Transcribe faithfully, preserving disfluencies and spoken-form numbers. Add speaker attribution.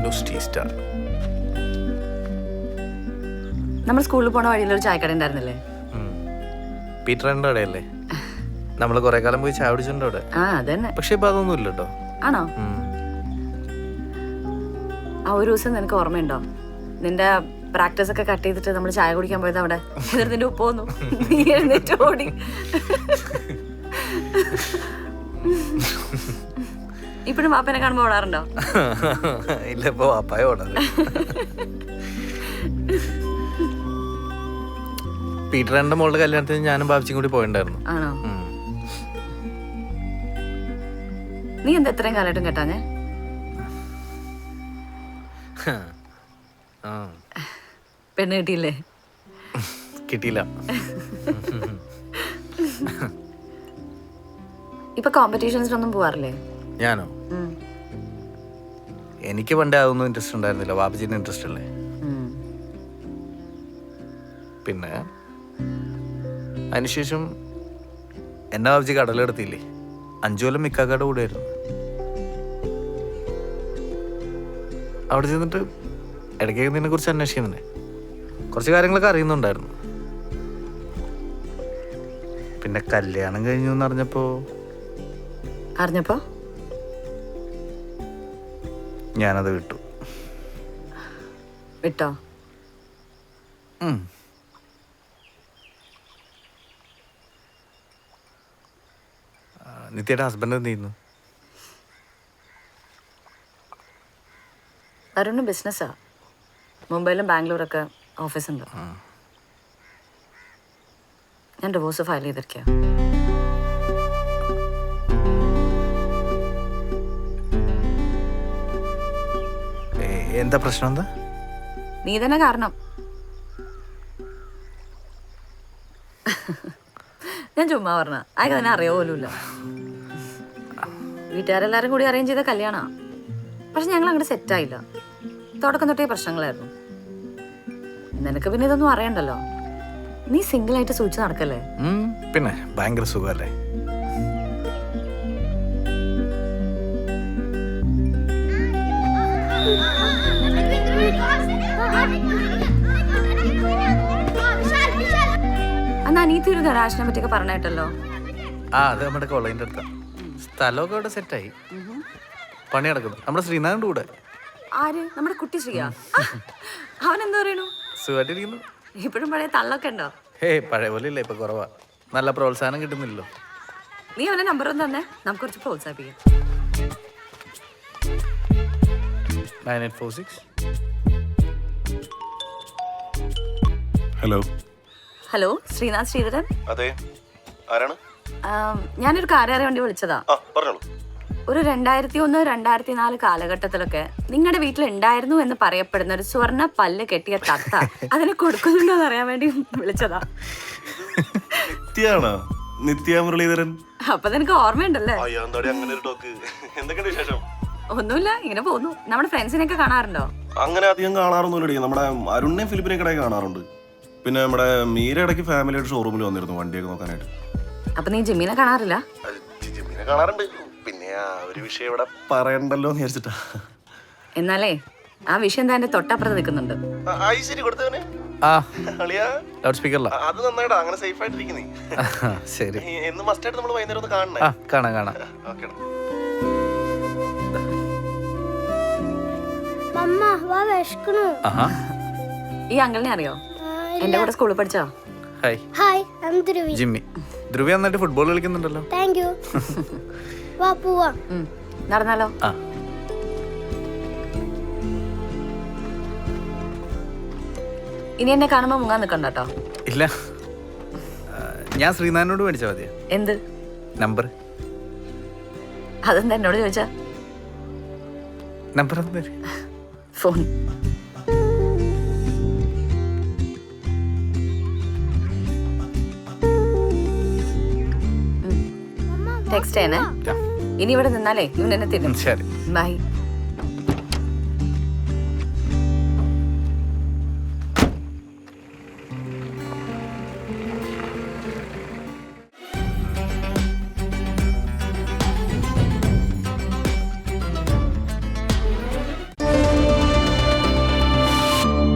Speaker 1: Bangalore tea star.
Speaker 2: നമ്മൾ സ്കൂളിൽ പോണ വഴിയിലൊരു ചായക്കട ഉണ്ടായിരുന്നില്ലേ?
Speaker 1: പീറ്ററിന്റെ കടയല്ലേ? നമ്മള് കൊറേ കാലം പോയി ചായ കുടിച്ചിട്ടുണ്ട് അവിടെ.
Speaker 2: ആ അതന്നെ.
Speaker 1: പക്ഷെ ഇപ്പൊ അതൊന്നും ഇല്ല കേട്ടോ.
Speaker 2: ആണോ? ആ ഒരു ദിവസം നിനക്ക് ഓർമ്മയുണ്ടോ? നിന്റെ പ്രാക്ടീസ് ഒക്കെ കട്ട് ചെയ്തിട്ട് നമ്മൾ ചായ കുടിക്കാൻ പോയത് അവിടെ. എന്നിട്ട് നിന്റെ ഉപ്പ് വന്നു, നീ എഴുന്നേറ്റ് ഓടി. ഇപ്പഴും വാപ്പനെ കാണുമ്പോ ഓടാറുണ്ടോ?
Speaker 1: ഇല്ല, ഇപ്പൊ വാപ്പായ ഓടാറ്. പീറ്ററിന്റെ മോളുടെ കല്യാണത്തിന് ഞാനും ബാബിച്ചും കൂടി പോയിണ്ടായിരുന്നു.
Speaker 2: ആണോ? നീ എന്താ ഇത്രയും കാലമായിട്ടും കേട്ടാഞ്ഞേ? പെണ്ണ് കിട്ടിയില്ലേ?
Speaker 1: കിട്ടിയില്ല.
Speaker 2: ഇപ്പൊ കോമ്പറ്റീഷൻസിനൊന്നും പോവാറില്ലേ?
Speaker 1: ഞാനോ? എനിക്ക് പണ്ടേ അതൊന്നും ഇൻട്രസ്റ്റ് ഉണ്ടായിരുന്നില്ല. ബാബിജിന്റെ ഇൻട്രസ്റ്റ് അല്ലേ. പിന്നെ അതിനുശേഷം എന്നെ ബാബിജി കടലെടുത്തില്ലേ, അഞ്ചു കൊല്ലം മിക്കാക്കാട് കൂടെയായിരുന്നു. അവിടെ ചെന്നിട്ട് ഇടയ്ക്ക് ഇതിനെ കുറിച്ച് അന്വേഷിക്കുന്നുണ്ട്. കുറച്ച് കാര്യങ്ങളൊക്കെ അറിയുന്നുണ്ടായിരുന്നു. പിന്നെ കല്യാണം കഴിഞ്ഞു എന്ന് അറിഞ്ഞപ്പോ
Speaker 2: അറിഞ്ഞപ്പോ
Speaker 1: ഞാനത് വിട്ടു.
Speaker 2: വിട്ടോ?
Speaker 1: നിത്യയുടെ ഹസ്ബൻഡ് എന്ത് ചെയ്യുന്നു?
Speaker 2: അരുണ് ബിസിനസ്സാ. മുംബൈയിലും ബാംഗ്ലൂരൊക്കെ ഓഫീസ് ഉണ്ട്. ഞാൻ ഡിവോഴ്സ് ഫയൽ ചെയ്തിരിക്കുക.
Speaker 1: എന്താ പ്രശ്നം? എന്താ?
Speaker 2: നീ തന്നെ കാരണം. ഞാൻ ചുമ്മാ പറഞ്ഞ അയക്ക് തന്നെ അറിയോ പോലുമില്ല. വീട്ടുകാരെല്ലാരും കൂടി അറേഞ്ച് ചെയ്ത കല്യാണാ. പക്ഷെ ഞങ്ങൾ അങ്ങോട്ട് സെറ്റായില്ല. തുടക്കം തൊട്ടേ പ്രശ്നങ്ങളായിരുന്നു. നിനക്ക് പിന്നെ ഇതൊന്നും അറിയണ്ടല്ലോ. നീ സിംഗിൾ ആയിട്ട് സൂക്ഷിച്ച് നടക്കല്ലേ?
Speaker 1: പിന്നെ ഭയങ്കര സുഖല്ലേ.
Speaker 2: അന്ന് അനീത്തി ഒരു ഗരാജിനെ പറ്റിയൊക്കെ പറഞ്ഞിട്ടല്ലോ.
Speaker 1: ആ, അത് നമ്മുടെ കോളേജിന്റെ അടുത്താ. സ്ഥലമൊക്കെ അവിടെ സെറ്റായി, പണി നടക്കുന്നു. നമ്മുടെ ശ്രീനാഥിന്റെ കൂടെ.
Speaker 2: ആര്? നമ്മുടെ കുട്ടി ശ്രീയാ? അവൻ എന്താ പറയണു?
Speaker 1: സുഖമായിട്ടിരിക്കുന്നു.
Speaker 2: ഇപ്പോഴും പഴയ തള്ളൊക്കെ ഉണ്ടോ?
Speaker 1: ഹേ, പഴയ പോലെ ഇല്ല, ഇപ്പൊ കുറവാ. നല്ല പ്രോത്സാഹനം കിട്ടുന്നില്ലല്ലോ.
Speaker 2: നീ അവന്റെ നമ്പർ ഒന്ന് തന്നെ, നമുക്ക് കുറച്ച് പ്രോത്സാഹിപ്പിക്കാം.
Speaker 1: Nine eight four six.
Speaker 3: Hello.
Speaker 2: Hello, Sreenath Sreedharan.
Speaker 3: അതെ, ആരാണ്?
Speaker 2: ഞാനൊരു കാര്യം അറിയാൻ വേണ്ടി വിളിച്ചതാ.
Speaker 3: പറഞ്ഞോളൂ.
Speaker 2: ഒരു രണ്ടായിരത്തി ഒന്ന് രണ്ടായിരത്തി നാല് കാലഘട്ടത്തിലൊക്കെ നിങ്ങളുടെ വീട്ടിൽ ഉണ്ടായിരുന്നു എന്ന് പറയപ്പെടുന്ന ഒരു സ്വർണ്ണ പല്ല് കെട്ടിയ തത്ത അതിനെ കൊടുക്കുന്നുണ്ടോ എന്ന് അറിയാൻ വേണ്ടി വിളിച്ചതാ.
Speaker 3: നിത്യാണോ? നിത്യ മുരളീധരൻ.
Speaker 2: അപ്പൊ നിനക്ക് ഓർമ്മയുണ്ടല്ലേ? ഒന്നുമില്ല, ഇങ്ങനെ പോകുന്നു. നമ്മുടെ ഫ്രണ്ട്സിനെയൊക്കെ കാണാറുണ്ടോ?
Speaker 3: അങ്ങനെ അധികം കാണാറൊന്നുമില്ല. നമ്മുടെ അരുണിനെയും ഫിലിപ്പിനെയും കടയിൽ കാണാറുണ്ട്. പിന്നെ നമ്മുടെ മീര ഇടയ്ക്ക് ഫാമിലിയായിട്ട് ഷോറൂമിൽ വന്നിരുന്നു വണ്ടിയൊക്കെ നോക്കാനായിട്ട്.
Speaker 2: അപ്പൊ നീ ജിമ്മിനെ കാണാറില്ല?
Speaker 3: ജിമ്മിനെ കാണാറുണ്ട്. പിന്നെ ആ ഒരു വിഷയം ഇവിടെ പറയണ്ടല്ലോ എന്ന് വിചാരിച്ചിട്ടാ.
Speaker 2: എന്നാലേ ആ വിഷയം എന്താ എന്റെ തൊട്ടപ്പുറത്ത് നിൽക്കുന്നുണ്ട്.
Speaker 1: ലൗഡ് സ്പീക്കറിലാ.
Speaker 3: അത് നന്നായിട്ടാ, അങ്ങനെ സേഫ് ആയിട്ടിരിക്കുന്നേ.
Speaker 1: ശരി,
Speaker 3: എന്ന് മസ്റ്റായിട്ട് നമ്മൾ വൈകുന്നേരം ഒന്ന് കാണണേ.
Speaker 1: കാണാം കാണാം.
Speaker 2: ഈ അങ്കിളിനെ അറിയോ? എന്റെ കൂടെ സ്കൂളിൽ പഠിച്ചോ?
Speaker 1: Hi.
Speaker 4: Hi, I am Dhruvi.
Speaker 1: Jimmy. Dhruvi നന്നായിട്ട് ഫുട്ബോൾ കളിക്കുന്നുണ്ടല്ലോ.
Speaker 4: Thank you. വാ പോവാം.
Speaker 2: നടന്നാലോ?
Speaker 1: ആ.
Speaker 2: ഇനി എന്നെ കാണുമ്പോ മുങ്ങാൻ നിക്കണ്ട കേട്ടോ.
Speaker 1: ഇല്ല, ഞാൻ ശ്രീനാഥിനോട് മേടിച്ചാ മതിയോ?
Speaker 2: എന്ത്
Speaker 1: നമ്പർ?
Speaker 2: അതെന്താ എന്നോട് ചോദിച്ചാ?
Speaker 1: നമ്പർ എന്താ?
Speaker 2: ഫോൺ. ടെക്സ്റ്റ് ചെയ്യണേ. ഇനി ഇവിടെ നിന്നാലേ ഇവൻ എന്നെ തിന്നും.
Speaker 1: ശരി,
Speaker 2: ബൈ.